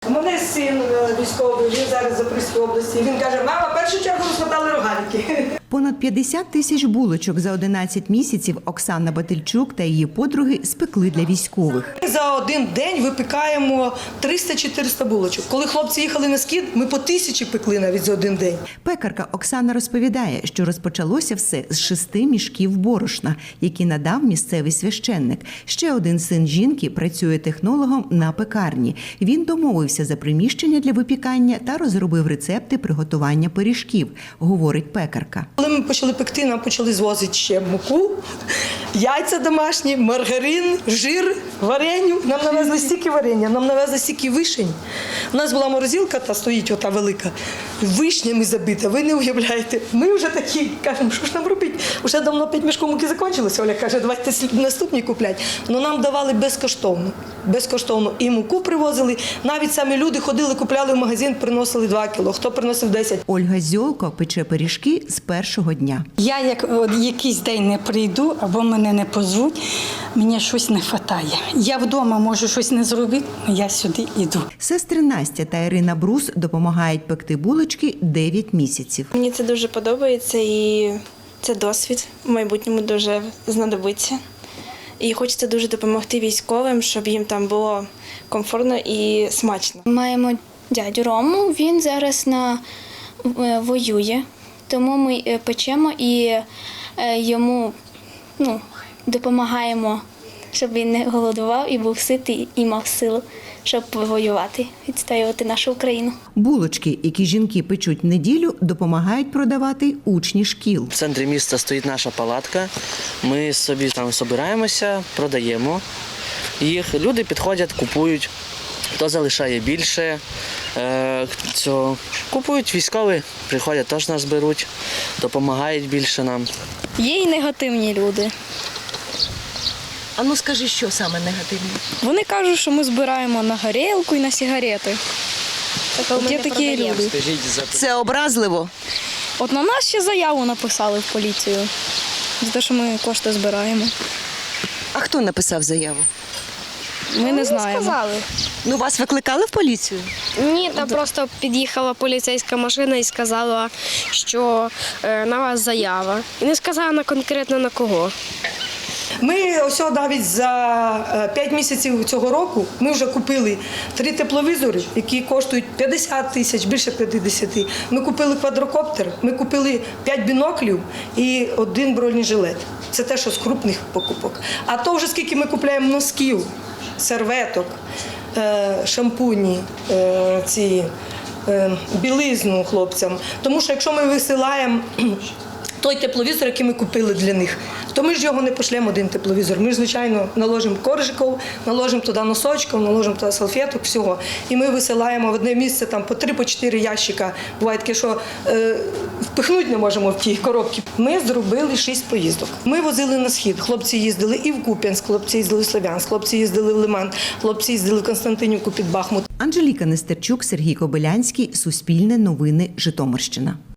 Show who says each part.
Speaker 1: У мене син військовий, він зараз в Запорізькій області. Він каже, мама, в першу чергу розмотали рогалики.
Speaker 2: Понад 50 тисяч булочок за 11 місяців Оксана Батильчук та її подруги спекли для військових.
Speaker 1: За один день випікаємо 300-400 булочок. Коли хлопці їхали на схід, ми по 1000 пекли навіть за один день.
Speaker 2: Пекарка Оксана розповідає, що розпочалося все з 6 мішків борошна, які надав місцевий священник. Ще один син жінки працює технологом на пекарні. Він домовився за приміщення для випікання та розробив рецепти приготування пиріжків, говорить пекарка.
Speaker 1: Коли ми почали пекти, нам почали звозити ще муку, яйця домашні, маргарин, жир, вареню. Нам навезли стільки варення, нам навезли стільки вишень. У нас була морозилка, та стоїть ота велика, вишнями забита, ви не уявляєте. Ми вже такі, кажемо, що ж нам робити? Уже давно 5 мішків муки закінчилося. Оля каже, давайте наступні купляти. Но нам давали безкоштовно. Безкоштовно і муку привозили. Навіть самі люди ходили, купляли в магазин, приносили 2 кіло, хто приносив 10.
Speaker 2: Ольга Зьолко пече пиріжки з першого дня.
Speaker 3: Я як якийсь день не прийду або мене не позвуть, мені щось не вистачає. Я вдома можу щось не зробити, але я сюди йду.
Speaker 2: Сестри Настя та Ірина Брус допомагають пекти булочки 9 місяців.
Speaker 4: Мені це дуже подобається і це досвід в майбутньому дуже знадобиться. І хочеться дуже допомогти військовим, щоб їм там було комфортно і смачно.
Speaker 5: Маємо дядю Рому, він зараз воює, тому ми печемо і йому допомагаємо, щоб він не голодував і був ситий і мав силу, щоб воювати, відстоювати нашу Україну.
Speaker 2: Булочки, які жінки печуть в неділю, допомагають продавати учні шкіл.
Speaker 6: В центрі міста стоїть наша палатка. Ми собі там збираємося, продаємо їх. Люди підходять, купують. Хто залишає більше, купують військові, приходять, теж нас беруть, допомагають більше нам.
Speaker 5: Є і негативні люди.
Speaker 2: А ну скажи, що саме негативне?
Speaker 5: Вони кажуть, що ми збираємо на горілку і на сигарети. Є такі люди.
Speaker 2: Це образливо.
Speaker 5: От на нас ще заяву написали в поліцію за те, що ми кошти збираємо.
Speaker 2: А хто написав заяву?
Speaker 5: Ми не знаємо.
Speaker 2: Ну, вас викликали в поліцію?
Speaker 7: Ні, там просто під'їхала поліцейська машина і сказала, що на вас заява. І не сказала конкретно на кого.
Speaker 1: Ми ось навіть за 5 місяців цього року ми вже купили 3 тепловізори, які коштують 50 тисяч, більше 50. Ми купили квадрокоптер, ми купили 5 біноклів і 1 бронежилет. Це те, що з крупних покупок. А то вже скільки ми купуємо носків, серветок, шампуні, білизну хлопцям. Тому що якщо ми висилаємо той тепловізор, який ми купили для них, то ми ж його не пошлемо, один тепловізор. Ми ж, звичайно, наложимо коржиків, наложимо туди носочків, наложимо туди салфеток, всього. І ми висилаємо в одне місце там по 3-4 ящика. Буває таке, що впихнути не можемо в ті коробки. Ми зробили 6 поїздок. Ми возили на схід. Хлопці їздили і в Куп'янськ, хлопці їздили в Слов'янськ, хлопці їздили в Лиман, хлопці їздили в Константинівку під Бахмут.
Speaker 2: Анжеліка Нестерчук, Сергій Кобилянський, Суспільне новини, Житомирщина.